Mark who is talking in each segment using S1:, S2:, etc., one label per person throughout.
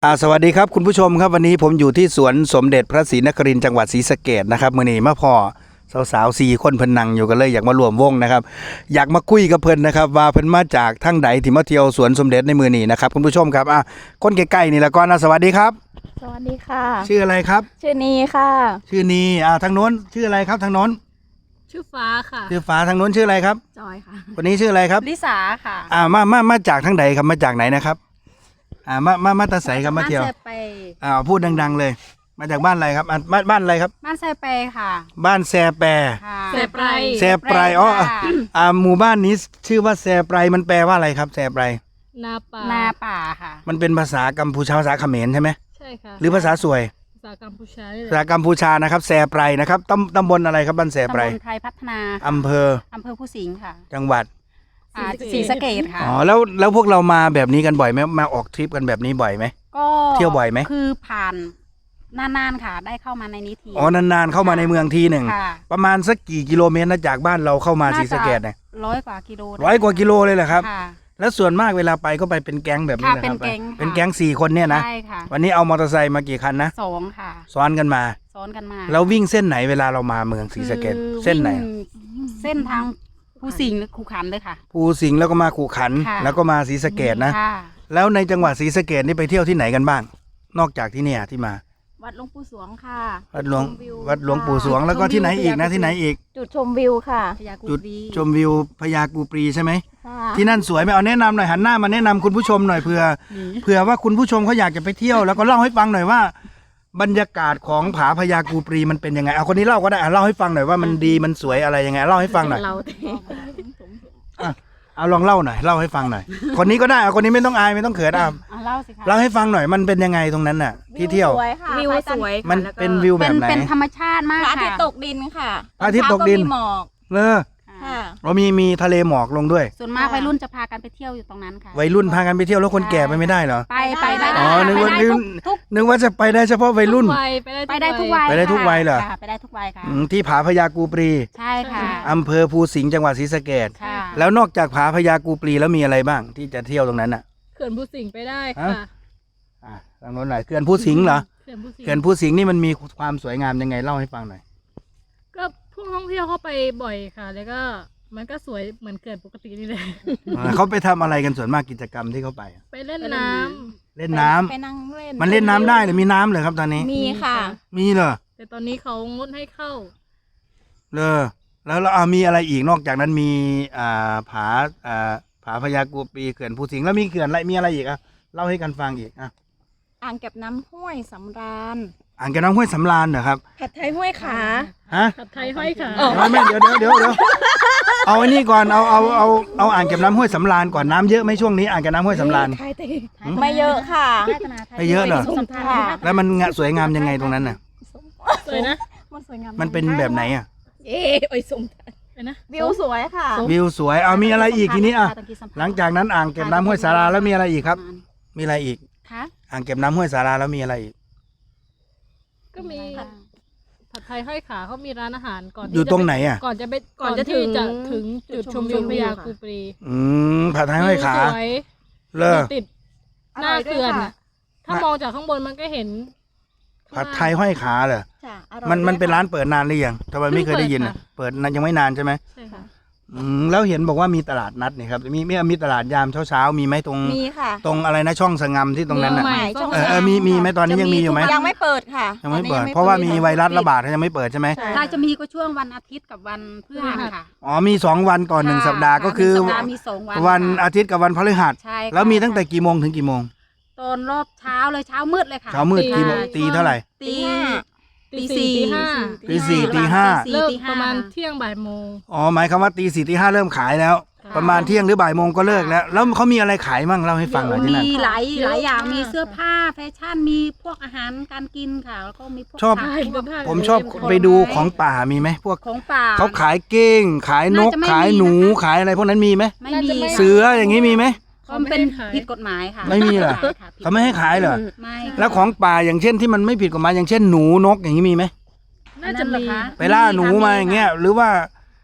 S1: สวัสดีครับคุณผู้ชมครับวันนี้ผมอยู่ที่สวนสมเด็จพระศรีนครินทร์จังหวัดศรีสะเกษนะครับมื้อนี้มาพ่อสาวๆ4คนเพิ่นนั่งอยู่กันเลยอยากมารวมวงนะครับอยากมาคุยกับเพิ่นนะครับว่าเพิ่นมาจากทางใดที่มาเที่ยวสวนสมเด็จในมื้อนี้นะครับคุณผู้ชมครับคนใกล้ๆนี่ละก่อนนะสวัสดีครับ
S2: สวัสดีค่ะ
S1: ชื่ออะไรครับ
S2: ชื่อนีค่ะ
S1: ชื่อนีทางโน้นชื่ออะไรครับทางโน้น
S3: ชื่อฟ้าค่ะ
S1: ชื่อฟ้าทางโน้นชื่ออะไรครับ
S2: จอยค่ะ
S1: คนนี้ชื่ออะไรครับ
S2: ลิสาค่ะ
S1: มาจากทางใดครับมาจากไหนนะครับมาตาใสครับมาเที่ยวพูดดังๆเลยมาจากบ้านอะไรครับบ้านอะไรครับ
S2: บ้านแซเปค่ะ
S1: บ้านแซแป
S3: แซไพร
S1: แซไพรหมู่บ้านนี้ชื่อว่าแซไพรมันแปลว่าอะไรครับแซไพร
S3: นา
S2: ป่าค่ะ
S1: มันเป็นภาษากัมพูชาภาษาเขมรใช่ไหม
S3: ใช่ค่ะ
S1: หรือภาษาสวย
S3: ภาษากัมพูชา
S1: ภาษากัมพูชานะครับแซไพรนะครับตำบลอะไรครับบ้านแซไพร
S2: ตำบลไทยพัฒนา
S1: อำเภอ
S2: ผู้สิงห์ค่ะ
S1: จังหวัด
S2: ศรีสะเกษค่ะ
S1: แล้วพวกเรามาแบบนี้กันบ่อยไหมมาออกทริปกันแบบนี้บ่อยไหม
S2: ก็
S1: เที่ยวบ่อยไหม
S2: คือผ่านนานๆค่ะได้เข้ามาในนี้ที
S1: นานๆเข้ามาในเมืองทีหนึ่งประมาณสักกี่กิโลเมตรนะจากบ้านเราเข้ามาศรีสะเกษเนี่ย
S2: 100 กว่ากิโล
S1: 100 กว่ากิโลเลยเหรอครับแล้วส่วนมากเวลาไปก็ไปเป็นแก๊งแบบนี้นะครับเป็นแก๊ง4 คนเนี่ยนะ
S2: ใช่ค่ะ
S1: วันนี้เอามอเตอร์ไซค์มากี่คันนะ
S2: 2ค่ะ
S1: ซ้อนกันมาแล้ววิ่งเส้นไหนเวลาเรามาเมืองศรีสะเกษเส้นไหน
S2: เส้นทางภูสิงห์คูขันเลยค่ะ
S1: ภูสิงห์แล้วก็มาขู่ขันแล้วก็มาศรีสะเกษนะแล้วในจังหวัดศรีสะเกษนี่ไปเที่ยวที่ไหนกันบ้างนอกจากที่เนี่ยที่มา
S2: วัดหลวงปู่สวงค่ะ
S1: วัดหลวงปู่สวงแล้วก็ที่ไหนอีกนะที่ไหนอีก
S2: จุดชมวิวค่ะ
S1: จุดชมวิวพญากูปรีใช่ไหมที่นั่นสวยไหมเอาแนะนำหน่อยหันหน้ามาแนะนำคุณผู้ชมหน่อยเผื่อว่าคุณผู้ชมเขาอยากจะไปเที่ยวแล้วก็เล่าให้ฟังหน่อยว่าบรรยากาศของผาพญากูปรีมันเป็นยังไงเอาคนนี้เล่าก็ได้เล่าให้ฟังหน่อยว่ามันดีมันสวยอะไรยังไงเล่าให้ฟังหน่อยเอาลองเล่าหน่อยเล่าให้ฟังหน่อยคนนี้ก็ได้คนนี้ไม่ต้องอายไม่ต้องเขิน
S2: เล่าสิคะ
S1: เล่าให้ฟังหน่อยมันเป็นยังไงตรงนั้นน่ะที่เที่ยว
S2: วิวสวย
S1: มันเป็นวิวแบบไหน
S2: เป็นธรรมชาติมากค่ะ
S4: พระอาทิตย์ตกดินค่ะ
S1: พระอาทิตย์ตกดิน
S4: หมอก
S1: เรามีทะเลหมอกลงด้วย
S2: ส่วนมากวัยรุ่นจะพากันไปเที่ยวอยู่ตรงนั้นค่ะ
S1: วัยรุ่นพากันไปเที่ยวแล้วคนแก่ไปไม่ได้เหรอ
S2: ไปได้
S1: นึกว่าจะไปได้เฉพาะวัยรุ่น
S2: ไปได้ทุกวัย
S1: ไปได้ทุกวัยเหรอ
S2: ไปได้ทุกวัยค่ะ
S1: ที่ผาพญากูปรี
S2: ใช่ค่ะ
S1: อำเภอภูสิงห์จังหวัดศรีสะเกษแล้วนอกจากผาพญากูปรีแล้วมีอะไรบ้างที่จะเที่ยวตรงนั้นน่ะ
S3: เขื่อนภูสิงห์ไปได้ค่ะ
S1: ทางโน้นหน่อยเขื่อนภูสิงห์เหรอเขื่อนภูสิงห์นี่มันมีความสวยงามยังไงเล่าให้ฟังหน่อย
S3: ก็พวกท่องเที่ยวเข้าไปบ่อยค่ะแล้วก็มันก็สวยเหมือนเขื่อนปกตินี่เลย
S1: เขาไปทำอะไรกันส่วนมากกิจกรรมที่เขาไป
S3: ไปเล่นน้
S1: ำ
S4: ไปนั่งเล่น
S1: มันเล่นน้ำได้หรือมีน้ำเลยครับตอนนี้
S4: มีค่ะ
S1: มีเหรอ
S3: แต่ตอนนี้เขางดให้เข้า
S1: แล้วมีอะไรอีกนอกจากนั้นมีผาพญากูปรีเขื่อนภูสิงห์แล้วมีเขื่อนอะไรมีอะไรอีกเล่าให้กันฟังอีก
S4: อ่างเก็บน้ำห้วยสำราญ
S1: อ่างเก็บน้ำห้วยสำราญเหรอครับ
S4: ผัดไทยห้วยขา
S3: ผัดไทยห้อยขา
S1: ไม่เดี๋ยวเอาอันนี้ก่อนเอาอ่างเก็บน้ำห้วยสำราญก่อนน้ำเยอะไหมช่วงนี้อ่างเก็บน้ำห้วยสำราญ
S4: ไม่เยอะค่ะ
S1: ไม่เยอะเหรอแล้วมันสวยงามยังไงตรงนั้นน่ะ
S3: สวยนะ
S1: มันเป็นแบบไหน
S4: โอ้ยสม
S3: นะ
S4: วิวสวยค่ะ
S1: วิวสวยมีอะไรอีกทีนี้หลังจากนั้นอ่างเก็บน้ำห้วยสาราแล้วมีอะไรอีกครับมีอะไรอีกอ่างเก็บน้ำห้วยสาราแล้วมีอะไรอีก
S3: ก็มีผัดไทยห้อยขาเขามีร้านอาหารก่อน
S1: อยู่ตรงไหน
S3: ก่อนจะถึงจุดชมวิวพญากูปรี
S1: ผัดไทยห้อยขา
S3: ติดหน้าเขื่อนถ้ามองจากข้างบนมันก็เห็น
S1: ผัดไทยห้อยขาเหรอมันเป็นร้านเปิดนานหรือยังทำไมไม่เคยได้ยินเปิดยังไม่นานใช่ไหม
S3: ใช่ค่ะ
S1: แล้วเห็นบอกว่ามีตลาดนัดนี่ครับมีตลาดยามเช้ามีไหมตรง
S4: มีค่ะ
S1: ตรงอะไรนะช่องสงำที่ตรงนั้นน่ะมีไหมตอนนี้ยังมีอยู่ไหม
S4: ยังไม่เปิดค่ะ
S1: ยังไม่เปิดเพราะว่ามีไวรัสระบาดยังไม่เปิดใช่ไหม
S2: ถ้าจะมีก็ช่วงวันอาทิตย์กับวันพฤหัสค่ะ
S1: มี2 วันก่อน1 สัปดาห์ก็คือวันอาทิตย์กับวันพฤหัสแล้วมีตั้งแต่กี่โมงถึงกี่โมง
S2: ตอนรอบเช้าเลยเช้ามืดเลยค่ะ
S1: เช้ามืดกี่โมงตีเท่าไหร่
S2: ตี4
S1: ตี 4ตี 5
S3: เริ่มประมาณเที่ยงบ่ายโมง
S1: หมายความว่าตี 4ตี 5เริ่มขายแล้วประมาณเที่ยงหรือบ่ายโมงก็เลิกแล้วเขามีอะไรขายมั่งเล่าให้ฟังหน่อยที่นั่น
S2: มีหลายอย่างมีเสื้อผ้าแฟชั่นมีพวกอาหารการกินค่ะแล้วก็มีพวก
S1: ผมชอบไปดูของป่ามีไหมพวก
S2: ของป่า
S1: เขาขายเก้งขายนกขายหนูขายอะไรพวกนั้นมีไหม
S2: ไม่มี
S1: เสืออย่างนี้มีไหม
S2: เขาเป็นผิดกฎหมายค่ะ
S1: ไม่มีเหรอเขาไม่ให้ขายเหรอ
S2: ไม่
S1: แล้วของป่าอย่างเช่นที่มันไม่ผิดกฎหมายอย่างเช่นหนูนกอย่างนี้มีไหม
S3: น่าจะมี
S1: ไปล่าหนูมาอย่างเงี้ยหรือว่า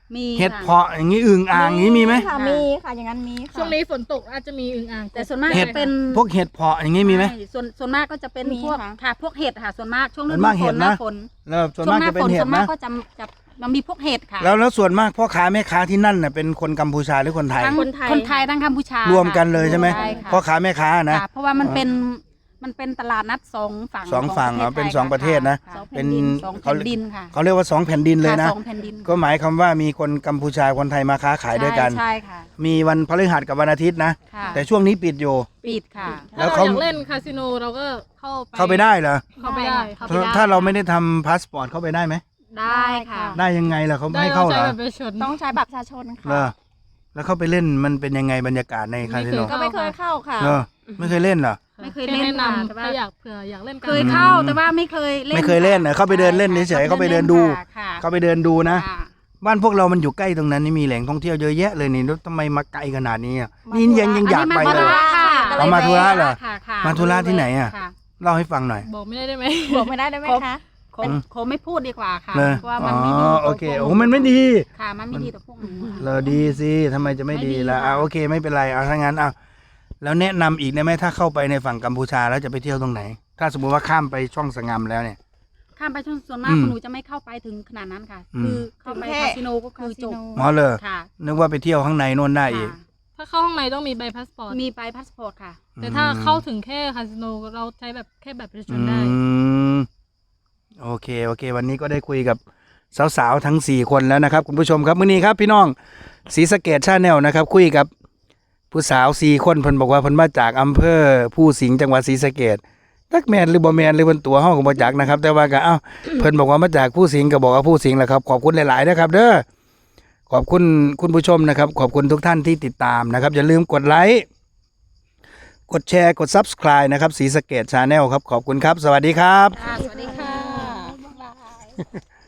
S2: มี
S1: เห็ด
S2: ค่ะ
S1: เพาะอย่างนี้อึ่งอ่างอย่างนี้มีไหม
S4: ค่ะมีค่ะอย่างนั้นมีค่ะ
S3: ช่วงนี้ฝนตกอาจจะมีอึ่งอ่าง
S2: แต่ส่วนมาก
S1: เห็ด
S2: จะเป็น
S1: พวกเห็ดเพาะอย่างนี้มีไหม
S2: ใช่ส่วนมากก็จะเป็น
S4: มี
S2: พวก
S4: ค่ะ
S2: ค่ะพวกเห็ดค่ะส่วนมากช่วงฤ
S1: ส่วน
S2: ดู
S1: มาก
S2: ฝ
S1: เห็
S2: น
S1: ด
S2: หน้า
S1: นะ
S2: ฝน
S1: แล้วส่วน
S2: ช่ว
S1: มาง ก
S2: หน้า
S1: จะเป็
S2: ฝ
S1: น
S2: น
S1: เห็
S2: ส่
S1: ด
S2: วนมาก
S1: นะ
S2: ก็จะมันมีพวกเห็ดค่ะ
S1: แล้วส่วนมากพ่อค้าแม่ค้าที่นั่นน่ะเป็นคนกัมพูชาหรือคนไทย
S2: ทั้ง
S4: คนไทย
S2: คนไทยทั้งกัมพูชาร
S1: วมกันเลยใช่ไหม
S2: ใช่ค่ะ
S1: พ่อค้าแม่ค้านะ
S2: ค่ะเพราะว่ามันเป็นตลาดนัดสองฝั่ง
S1: สองฝั่ง
S2: ข
S1: เป็น
S2: ไทย
S1: สองประเทศนะ
S2: ค่สอง
S1: เป็
S2: แผ่
S1: น
S2: นดินสอง
S1: เขา
S2: แผ่นดินค่ะ
S1: เขาเรียกว่า2 แผ่นดินเลยนะ
S2: ค่สองแผ่นดิน
S1: ก็หมายความว่ามีคนกัมพูชาคนไทยมาค้าขายด้วยกัน
S2: ใช่ค่ะ
S1: มีวันพฤหัสกับวันอาทิตย์นะ
S2: ค่ะ
S1: แต่ช่วงนี้ปิดอยู่
S2: ปิดค่ะ
S1: แล้
S3: ถ้าว เรา
S1: เขา
S3: อยากเล่นคาสิโนเราก็เข้าไป
S1: เข้าไปได้เหรอ
S3: เข้าไปได้เข้าไปได้
S1: ถ้าเราไม่ได้ทำพาสปอร์ตเข้าไปได้ไหม
S2: ได้ค่ะ
S1: ได้ยังไงล่ะเขาไม่
S3: ได้
S1: ให้เข้าเหร
S3: ใช้
S1: อ
S3: บัตรประชาชน
S4: ต้องใช้บัตรประชาชน
S1: เหร
S4: ค่ะ
S1: อแล้วเข้าไปเล่นมันเป็นยังไงบรรยากาศในคาสิโน
S3: ไม่
S4: ก็ไม่เคยเข้าค่ะ
S1: เหรอไม่เคยเล่นเหรอ
S2: ไม่เคยเล่น
S3: แนะนำ
S2: แต่ว่า
S3: ถ้าอยากเผื่ออยากเล่นกัน
S2: เคยเข้าแต่ว่าไม่เคยเล่น
S1: ไม่เคยเล่นเหรอเข้าไปเดินเล่นเฉยๆเข้าไปเดินดู
S2: ค่ะ
S1: เข้าไปเดินดูนะ
S2: ค่ะ
S1: บ้านพวกเรามันอยู่ใกล้ตรงนั้นนี่มีแหล่งท่องเที่ยวเยอะแยะเลยนี่แล้วทำไมมาไกลขนาดนี้อ่ะนี่ยังอยากไป
S2: อัน
S1: เล
S2: นี้
S1: ย เอามาธุระเหรอ
S2: ค่ะค่ะ
S1: มาธุระที่ไหนอะ
S2: ค่ะ
S1: เล่าให้ฟังหน่อย
S3: บอกไม่ได้ไหม
S4: บอกไม่ได้ไหมคะ
S2: ขอไม่พูดดีกว่าค่ะ
S1: เลย
S2: เพราะว่า
S1: อ๋
S2: มันไม่ดี
S1: อ
S2: ต่
S1: โอเค
S2: พวก
S1: โอ้มันไม่ดี
S2: ค่ะ มันไม่ดีต่อพวกหนู
S1: เราดีสิทำไมจะไม่ดีล่ะ
S2: ไม่ดีค่ะ
S1: โอเคไม่เป็นไรเอาถ้างั้นเอาแล้วแนะนำอีกได้ไหมถ้าเข้าไปในฝั่งกัมพูชาแล้วจะไปเที่ยวตรงไหน ถ้าสมมติว่าข้ามไปช่องสงามแล้วเนี่ย
S2: ข้ามไปช่วงส่วนมาก
S1: อืม
S2: หนูจะไม่เข้าไปถึงขนาดนั้นค่ะ
S1: อืม
S2: คือเข้าไป
S4: ถึงแค่
S2: คาสิโนก็คือจบ
S1: อ๋อเลย
S2: ค่ะ
S1: นึกว่าไปเที่ยวข้างในโน่นได้อีก
S2: ค่ะ
S3: ถ้าเข้าข้างในต้องมีใบพาสปอร์ต
S2: มีใบพาสปอร์ตค่ะ
S3: แต่ถ้าเข้าถึงแค่คาสิโนเราใช้แบบแค่แบบประชาชนได้
S1: มโอเค วันนี้ก็ได้คุยกับสาวๆทั้ง4คนแล้วนะครับคุณผู้ชมครับมื้อนี้ครับพี่น้องศรีสะเกษชาแนลนะครับ คุยกับผู้สาว4คนเพิ่นบอกว่าเพิ่นมาจากอำเภอผู้สิงห์จังหวัดศรีสะเกษจักแม่นหรือบ่แม่นหรือเพิ่นตัวเฮาก็บ่จักนะครับ แต่ว่าก็เพิ่นบอกว่ามาจากผู้สิงห์ก็บอกว่าผู้สิงห์แหละครับขอบคุณหลายๆนะครับเด้อขอบคุณคุณผู้ชมนะครับ ขอบคุณทุกท่านที่ติดตามนะครับอย่าลืมกดไลค์กดแชร์กด Subscribe นะครับศรีสะเกษชาแนลครับขอบคุณครับ สวัสดีครับ
S2: ค่ะ สวัสดีค่ะ
S4: บ๊ายบาย